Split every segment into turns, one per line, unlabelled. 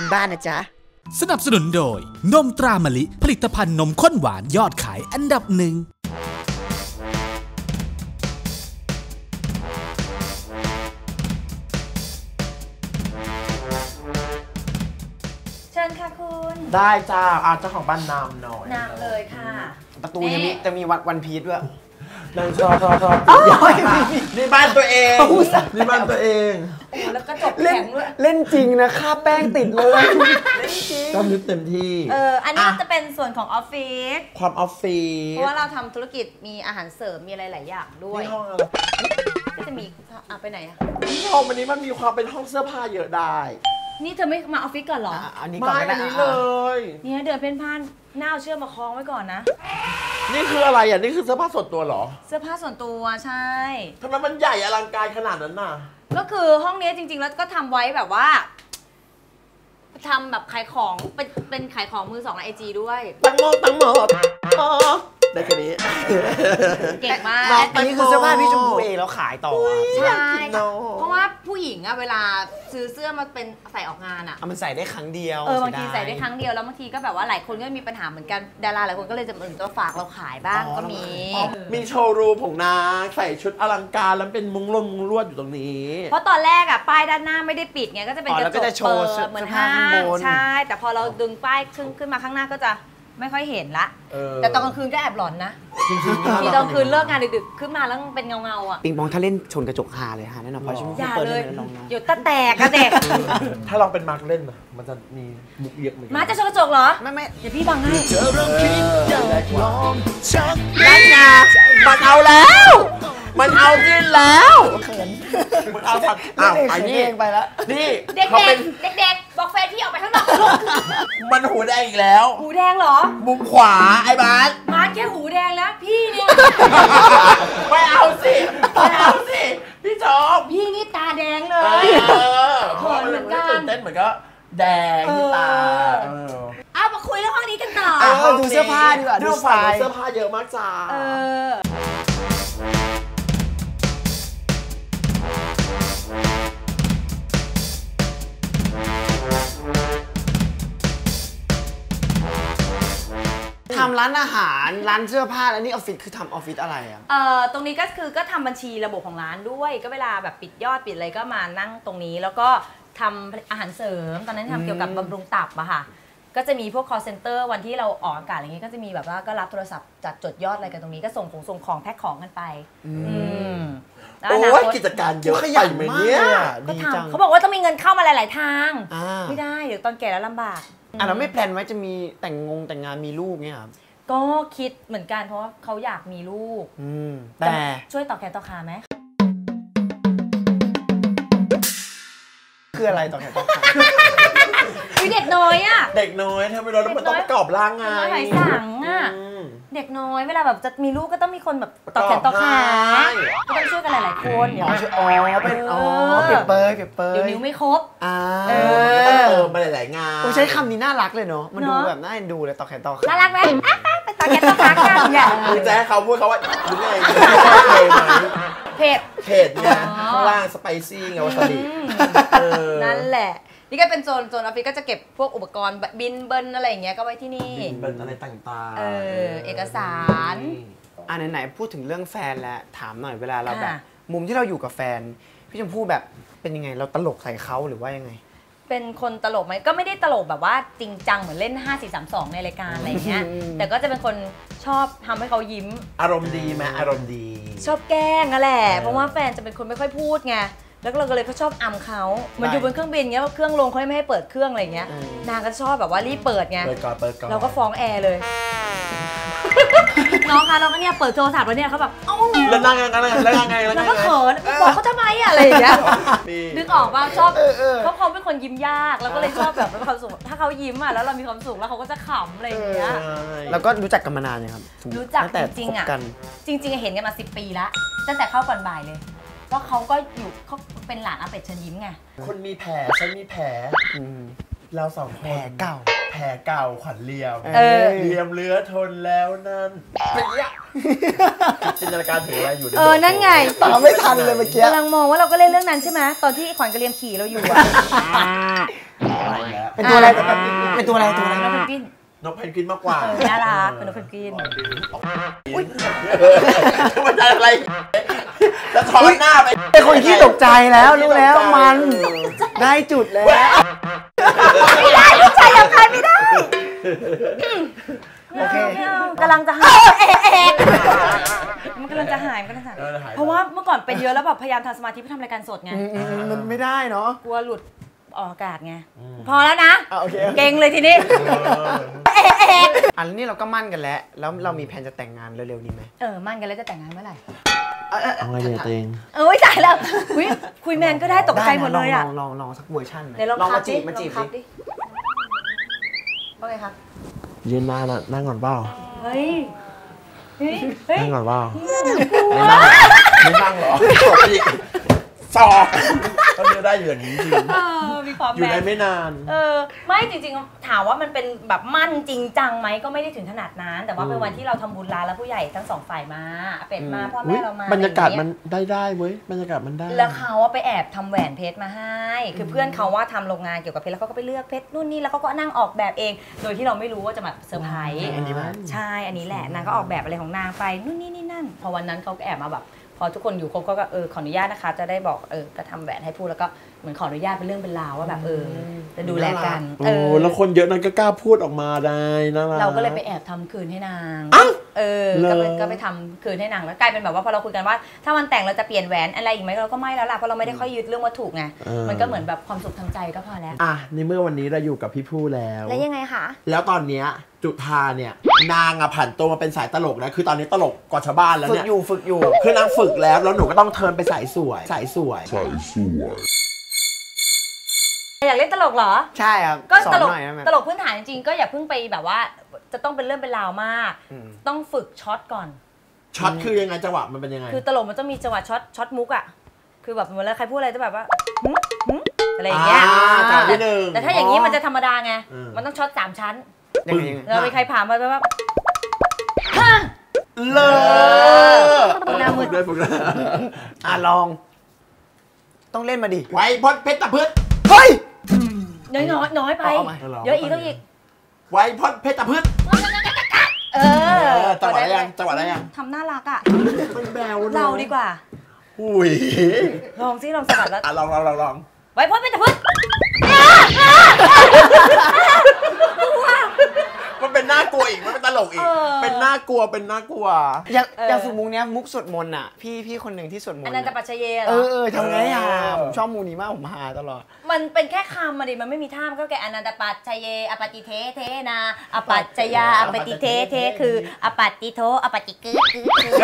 บ้านนะจ๊ะ
สนับสนุนโดยนมตรามะลิผลิตภัณฑ์นมข้นหวานยอดขายอันดับหนึ่ง
เชิญค่ะคุณ
ได้จ้าเจ้าของบ้านนำหน่อย
นำเลยค่ะ
ประตูยังมีจะมีวันพีชด้วย
นั่งชอบนี่บ้านตัวเองนี่บ้านตัวเอง
แล้วก็จบแข็งด้วย
เล่นจริงนะค่าแป้งติดเลยเล่นจริง
ก็นึกเต็มที่
อันนี้จะเป็นส่วนของออฟฟิศ
ความออฟฟิศ
เพราะว่าเราทำธุรกิจมีอาหารเสริมมีอะไรหลายอย่างด้วย
ห้องอะไร
ก็จะมีไปไหนอะ
ห้องวันนี้มันมีความเป็นห้องเสื้อผ้าเยอะได้
นี่เธอไม่มาออฟฟิศก่อนหรอ
อันนี้ก่อน
ก็ได้เลย
เนี่ยเดินเพ่นพ่านหน้าเชือกมาคล้องไว้ก่อนนะ
นี่คืออะไรอ่ะนี่คือเสื้อผ้าส่วนตัวเหรอ
เสื้อผ้าส่วนตัวใช่
ทำไมมันใหญ่อลังการขนาดนั้นน่ะ
ก็คือห้องนี้จริงๆแล้วก็ทำไว้แบบว่าทำแบบขายของเป็นขายของมือสองในIGด้วย
ตั้งหมดได้แค่นี้
เก่งมาก
อันนี้คือเสื้อผ้าพี่ชมพูเองแล้วขายต่อ
ใช่เพราะว่าผู้หญิงอะเวลาซื้อเสื้อมาเป็นใส่ออกงานอะ
มันใส่ได้ครั้งเดียว
บางทีใส่ได้ครั้งเดียวแล้วบางทีก็แบบว่าหลายคนก็มีปัญหาเหมือนกันดาราหลายคนก็เลยจะตัวฝากเราขายบ้างก็
มีโชว์รูมของนางใส่ชุดอลังการแล้วเป็นมุ้งลวดอยู่ตรงนี้
เพราะตอนแรกอะป้ายด้านหน้าไม่ได้ปิดไงก็จะเป็นกระจกเปิดเหมือนห้างใช่แต่พอเราดึงป้ายขึ้นมาข้างหน้าก็จะไม่ค่อยเห็นละแต่ตอนกลางคืนก็แอบหลอนนะ
จริงๆ
ที่ตอนคืนเลิกงานดึกๆขึ้นมาแล้วเป็นเงาอ่ะ
ปิงปองถ้าเล่นชนกระจกหาเลยฮะแน่นอนเพราะฉัน
เปิดเลยเดี๋ยวตาแตกกันเด็ก
ถ้าลองเป็นมาร์กเล่นมันจะมีมุกเยอะเหมือนกัน
มาจะชนกระจกเหรอ
ไม่
เดี๋ยวพี่บังให้
นั่นไงมันเอาแล้วมันเอาจริงแล้วมันเอาผัด
ไอ้นี่ไปแล้ว
นี่
เด็กบอกแฟนพี่ออกไปข้างนอก
มันหูแดงอีกแล้ว
หูแดงเหรอ
มุมขวาไอ้บาส
แค่หูแดงแล้วพี่เนี่ย
ไม่เอาสิพี่ชอบ
พี่นี่ตาแดงเลย
เขินเหมือนกันตื่นเต้นเหมือนก็แดงที่ตา
เอามาคุยเรื่องห้องนี้กันต่อ
ดูเสื้อผ้าดีกว่า
ดูสายเสื้อผ้าเยอะมากจ้า
ทำร้านอาหารร้านเสื้อผ้าแล้วนี่ออฟฟิศคือทำออฟฟิศอะไรอ่ะ
ตรงนี้ก็คือก็ทำบัญชีระบบของร้านด้วยก็เวลาแบบปิดยอดปิดอะไรก็มานั่งตรงนี้แล้วก็ทำอาหารเสริมตอนนั้นทำเกี่ยวกับบำรุงตับอะค่ะก็จะมีพวก call center วันที่เราออกอากาศอะไรเงี้ยก็จะมีแบบว่าก็รับโทรศัพท์จัดจดยอดอะไรกันตรงนี้ก็ส่งของแพ็คของกันไป
โอ้ยกิจการเยอะไปไหมเนี่ย
ดีจังเขาบอกว่าต้องมีเงินเข้ามาหลายๆทางไม่ได้เดี๋ยวตอนแก่แล้วลำบาก
เราไม่แพลนไว้จะมีแต่งงานมีลูกเนี่ยครับ
ก็คิดเหมือนกันเพราะว่าเขาอยากมีลูก
แต่
ช่วยต่อแขนต่อขาไหม
คืออะไรต่อแขนต่อขา
เด็กน้อยอะ
เด็กน้อยทำไมเราต้องประกอบร่างไง
หายสังอะเด็กน้อยเวลาแบบจะมีลูกก็ต้องมีคนแบบต่อแขนต่อขาก็ต้องช่วยกันหลายๆคนเดี๋ยว
เป็นเก็บเปย
เดี๋ยวนิ้วไม่ครบ
ต้องเติมมาหลายๆงาน
ใช้คำนี้น่ารักเลยเนาะมันดูแบบน่าเอ็นดูเลยต่อแขนต่อขา
น่ารักไหมไปต่อแขนต่อขากันอย่า
คือจะให้เขาพูดเขาว่าหรือไง
เผ็ด
เนี่ยข้างล่างสไปซี่ไงวาซาบิ
นั่นแหละนี่ก็เป็นโซนออฟฟิศก็จะเก็บพวกอุปกรณ์บินเบิ้ลอะไรอย่างเงี้ยก็ไว้ที่นี่
บินเบิ้ลอะไรต่าง
ๆเอกสาร
ไหนพูดถึงเรื่องแฟนแล้วถามหน่อยเวลาเราแบบมุมที่เราอยู่กับแฟนพี่ชมพู่แบบเป็นยังไงเราตลกใส่เขาหรือว่ายังไง
เป็นคนตลกไหมก็ไม่ได้ตลกแบบว่าจริงจังเหมือนเล่น5432ในรายการอะไรเงี้ยแต่ก็จะเป็นคนชอบทำให้เขายิ้ม
อารมณ์ดีไหมอารมณ์ดี
ชอบแกล้งนั่นแหละเพราะว่าแฟนจะเป็นคนไม่ค่อยพูดไงแล้วเราก็เลยเขาชอบอำเขามันอยู่บนเครื่องบินเงี้ยเครื่องลงเขาไม่ให้เปิดเครื่องอะไรเงี้ยนางก็ชอบแบบว่ารีบเปิดไงเราก็ฟ้องแอร์เลยน้องคะน้องก็เนี่ยเปิดโทรศัพท์แล้วเนี่ยเขาแบบ
แล้วนั่งยังไง
แล้วก็เขินบอกเขาทำไมอะไรอย่างเงี้ยนึกออกว่าชอบเขาเป็นคนยิ้มยากแล้วก็เลยชอบแบบมีความสุขถ้าเขายิ้มอ่ะแล้วเรามีความสุขแล้วเขาก็จะขำอะไรอย่างเงี้ย
แล้วก็รู้จักกันมานานยังครับ
รู้จักจริงๆอ่ะจริงๆเห็นกันมา10 ปีละตั้งแต่เข้าก่อนบ่ายเลยก็เขาก็อยู่เขาเป็นหลานอาเป็ดเชิญยิ้มไง
คนมีแผลฉันมีแผลเราสองคนแผลเก่าขวัญเลียมเลือทนแล้วนั่นเป็นยังจินตนาการถึงอะไรอยู่
นั่นไง
ตามไม่ทันเลยเมื่อกี้
กำลังมองว่าเราก็เล่นเรื่องนั้นใช่ไหมตอนที่ขวัญกระเลียมขี่เราอยู่
เป็นตัวอะไรเป็นตัวอะไรตัวอะไร
นกเพนกวิน
นกเพนกวินมากกว่า
น่ารักเป็นนกเพนกวิน
มันจะอะไรแล้วถอดหน้าไป
เป็นคนขี้ตกใจแล้วรู้แล้วมันได้จุดแล้ว
ไม่ได้ลูกชายยังใครไม่ได้
โอเค
กำลังจะหายมันกำลังจะหายเพราะว่าเมื่อก่อนเป็นเยอะแล้วแบบพยายามทำสมาธิเพื่อทำรายการสดไง
มันไม่ได้เนาะ
กลัวหลุดออกอากาศไงพอแล้วนะ
โอเค
เก่งเลยทีนี้
อันนี้เราก็มั่นกันแล้วเรามีแผนจะแต่งงานเร็วๆนี้ไหม
มั่นกันแล้วจะแต่งงานเมื่อไหร่
เอาไงเนี่ยตัวเอง
ตายแล้วคุยแมนก็ได้ตกใจหมดเลยอ่ะ
ลองสักเวอร์ชันไหม
เดี๋ยวลอง
มาจีบมาจีบ
ดิ
ดิ
ว่าไงครับ
ยืนนานอะนั่งก่อนเปล่า
เฮ้ย
นั่งก่อนเปล่าไม่นั่งหรอสอบก็เลือกได้อย่างนี้จริง
มีความ
อยู่
แม
ได้
น
ไม่นาน
ไม่จริงๆถามว่ามันเป็นแบบมั่นจริงจังไหมก็ไม่ได้ถึงขนาดนั้น แต่ว่าเป็นวันที่เราทำบุญร้านแล้วผู้ใหญ่ทั้งสองฝ่ายมาเป็ดมาพ่อแม่เรามา
บรรยากาศมันได้เว้ยบรรยากาศมันได้
แล้วเขาไปแอบทำแหวนเพชรมาให้คือเพื่อนเขาว่าทำโรงงานเกี่ยวกับเพชรแล้วเขาก็ไปเลือกเพชรนู่นนี่แล้วเขาก็นั่งออกแบบเอง โดยที่เราไม่รู้ว่าจะมาเซอร์ไพรส์
อันนี้ป่ะ
ใช่อันนี้แหละนางก็ออกแบบอะไรของนางไปนู่นนี่นี่นั่นพอวันนั้นเขาก็แอบมาแบบพอทุกคนอยู่ครบก็ขออนุญาตนะคะจะได้บอกก็ทำแหวนให้พูดแล้วก็เหมือนขออนุญาตเป็นเรื่องเป็นราวว่าแบบจะดูแลกัน
โอ้แล้วคนเยอะนั้นก็กล้าพูดออกมาได้นะ
เราก็เลยไปแอบทำคืนให้นางก็ไปทำคืนให้นางแล้วกลายเป็นแบบว่าพอเราคุยกันว่าถ้าวันแต่งเราจะเปลี่ยนแหวนอะไรอีกไหมเราก็ไม่แล้วล่ะเพราะเราไม่ได้ค่อยยึดเรื่องวัตถุไงมันก็เหมือนแบบความสุขทางใจก็พอแล้ว
ในเมื่อวันนี้เราอยู่กับพี่ผู้แล้ว
แล้วยังไงคะ
แล้วตอนเนี้ยจุธาเนี่ยนางผันตัวมาเป็นสายตลกนะคือตอนนี้ตลกกว่าชาวบ้านแล้ว
ฝึ
เนี่
ก
ย
อยู่
คือนางฝึกแล้วหนูก็ต้องเทิร์นไปสายสวย
อยากเล่นตลกเหรอ
ใช่ครับ
ก็
สอ
ต
น
ลก
หน่อยนะแม่
ตลกพื้นฐานจริงๆก็อย่าเพิ่งไปแบบว่าจะต้องเป็นเรื่องเป็นราวมาก ต้องฝึกช็อตก่อน
ช็อตคือยังไงจังหวะมันเป็นยังไง
คือตลกมันต้องมีจังหวะช็อตมุกอ่ะคือแบบเวลาใครพูดอะไรจะแบบว่าหึอะไรอย่างเงี้ย
จังหวะที่หนึ่ง
แต่ถ้าอย่างนี้มันจะธรรมดาไงมันต้องช็อต3 ชั้น
ยังไง
เรามีใครผ่านมาแบบ
เลิศ
หน้ามืด
ฝึกด้วย
ลอง ต้องเล่นมาดิ
ไว้พดเพชรตะพืช
เฮ้ย
น้อยไป
เอาใหม่
เยอะอีกต้องอีก
ไว้พดเพชรตะพืชจังหวะอะไรยังจังหวะอะไรยัง
ทำน่ารักอ่ะ
มันแบว
เราดีกว่า
อุ้ย
ลองซิลองสกัดแล้ว
ลอง
ไว้พ่นเป็นตะพึ่ง
มันเป็นน่ากลัวอีกมันเป็นตลกอีกเป็นน่ากลัว
อย่างฝึกมุกเนี้ยมุกสวดมนต์อ่ะพี่คนหนึ่งที่สวดมนต์
อันนั้นจะปัจเจเยเหรอ
ทำไงผมชอบมูนี้มากผมหาตลอด
มันเป็นแค่คำมาดิมันไม่มีท่ามันก็แค่อนันตปัจเจเยอปฏิเทเทนาอปัจจยาอปฏิเทเทคืออปัตติโทอปฏิกึกึ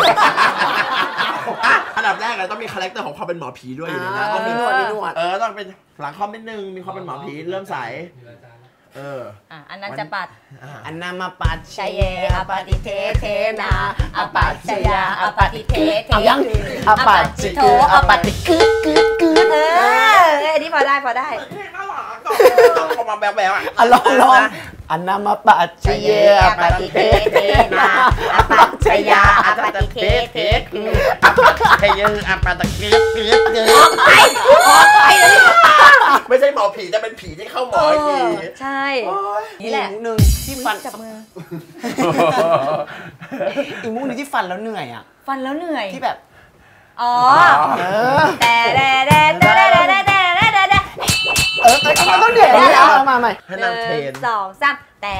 อันดับแรกเลยต้องมีคาแรคเตอร์ของความเป็นหมอผีด้วยอยู่ในนั้น
มีนวด
ต้องเป็นหลังคอมนิดนึงมีความเป็นหมอผีเริ่มใส
อันนั้นจะปัด
อันนามาปัจ
ชเยอปฏิเทเทนาอปัจจยาอปฏิเทเท
ยังอปัจจิโทอปัจจิกึด
อันนี้พอได้
ต้องเข้ามาแบ๊วๆ
ลองอันนามาปัจจิเยอปฏิเทเทนาอปัจจยาอปฏิเทเท
อปัจจยาอปฏิเทเท
ออกไปเลย
ไม่ใช่หมอผีแต่เป็นผีที่เข้าหมอผี
ใช่นี่แหละ
อีกมุกหนึ่งที่ฟัน
จับมือ
อีกมุกหนึ่งที่ฟันแล้วเหนื่อยอ่ะ
ฟันแล้วเหนื่อย
ที่แบบ
แต่
มันต้องเหนื่อยเอามาใหม่
ให้นางเทรน
1 2 3แต่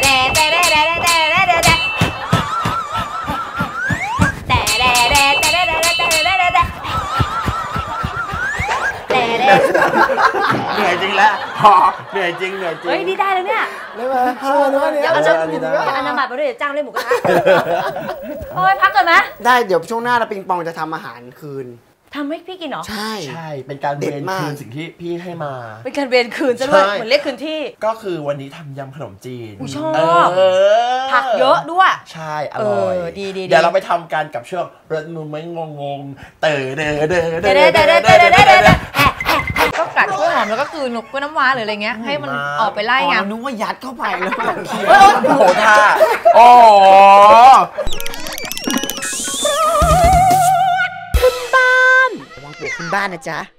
เหนื่อยจริงแล้วเหนื่อยจริง
เฮ้ยดีได้แล้วเนี่ย
เลยมาเนี่ย
อันนำบัตรมาด้วยเดี๋ยวจ้างเล่นหมูกระทะโอ้ยพักก่อนไหม
ได้เดี๋ยวช่วงหน้าเราปิงปองจะทำอาหารคืน
ทำให้พี่กินเหรอ
ใช่
เป็นการเวรคืนสิ่งที่พี่ให้มา
เป็นการเวรคืนซะด้วยเหมือนเรียกคืนที่
ก็คือวันนี้ทำยำขนมจีน
ชอบผักเยอะด้วย
ใช่อร่อย
ดี
เดี๋ยวเราไปทำกันกับช่วงรถมือไม่งง
ก็กัดกล้วยหอมแล้วก็คืนกล้วยน้ำว้าหรืออะไรเงี้ยให้มันออกไปไล่ไง
นึกว่ายัดเข้าไปแล้วเคี้ยว
โอ้โหท่าโอ้
ระวังปวกขึ้นบ้านนะจ๊ะ